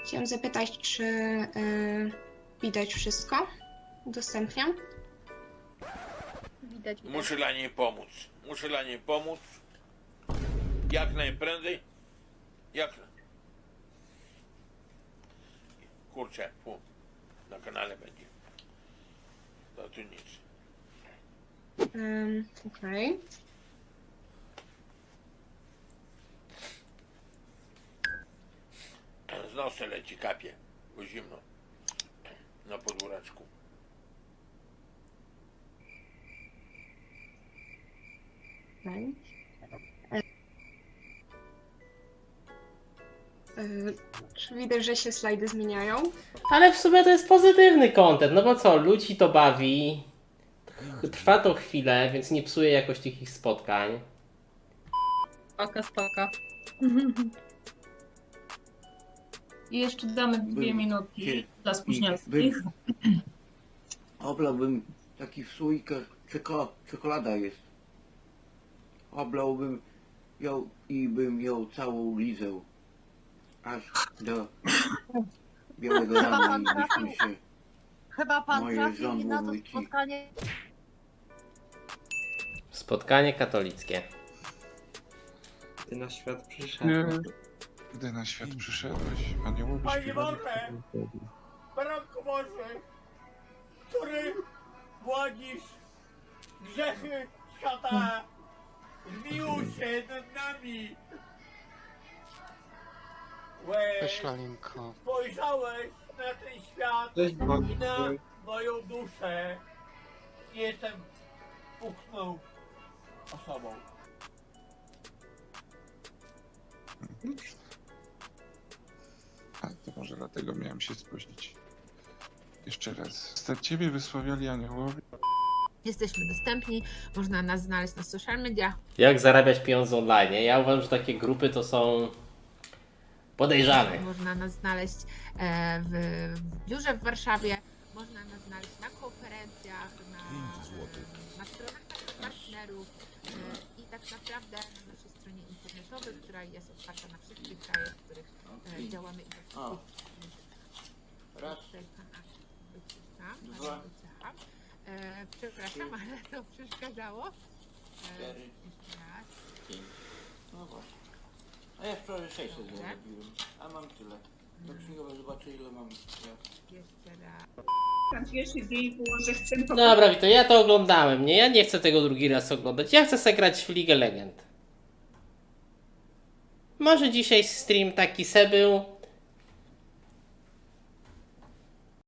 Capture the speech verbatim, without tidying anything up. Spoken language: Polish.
Chciałam zapytać, czy y, widać wszystko? Udostępniam. Widać, widać. Muszę dla niej pomóc. Muszę dla niej pomóc. Jak najprędzej. Jak... Kurczę, fu. Na kanale będzie. To tu nic. Um, Okej. Z nosa leci, kapie. Bo zimno. Na podwóreczku. Okay. Y, czy widać, że się slajdy zmieniają? Ale w sumie to jest pozytywny content, no bo co, ludzi to bawi, trwa to chwilę, więc nie psuje jakoś tych ich spotkań. Spaka, spaka. I jeszcze damy dwie Był- minutki kie- dla i spóźnialskich. bym- Oblałbym taki w słoikach, czeko, czekolada jest. Oblałbym ją i bym ją całą lizał. Aż do białego rana i byśmy się Chyba pan moje trafi żądło na to myci. spotkanie. Spotkanie katolickie. Ty na świat przyszedłeś. Gdy na świat przyszedłeś, aniołowie Panie śpiewali. Boże! Baranku Boży, który gładzisz grzechy świata, zmiłuj się nad nami. Łeś, Lalinko. spojrzałeś na ten świat Cześć i Bogu. na moją duszę. Jestem puchną osobą. A to może dlatego miałem się spóźnić. Jeszcze raz. Za ciebie wysławiali aniołowie. Jesteśmy dostępni, można nas znaleźć na social mediach. Jak zarabiać pieniądze online? Ja uważam, że takie grupy to są podejrzane. Można nas znaleźć e, w, w biurze w Warszawie, można nas znaleźć na konferencjach, na, e, na stronach naszych partnerów e, i tak naprawdę na naszej stronie internetowej, która jest otwarta na wszystkie kraje, w których e, działamy i do O. wszystkich. Raz, Tutaj pan Artur wycisza, Dwa. bardzo wycicha. E, przepraszam, ale to przeszkadzało. E, cztery, jeszcze raz. pięć. No właśnie. A ja wczoraj sześćset Dobrze. zarobiłem, a mam tyle. Do księgowa zobaczę ile mam. Jeszcze raz. Pan pierwszy dzień było, że chcę po Dobra, Wito, ja to oglądałem, nie? Ja nie chcę tego drugi raz oglądać. Ja chcę sobie grać w League Legend. Może dzisiaj stream taki se był.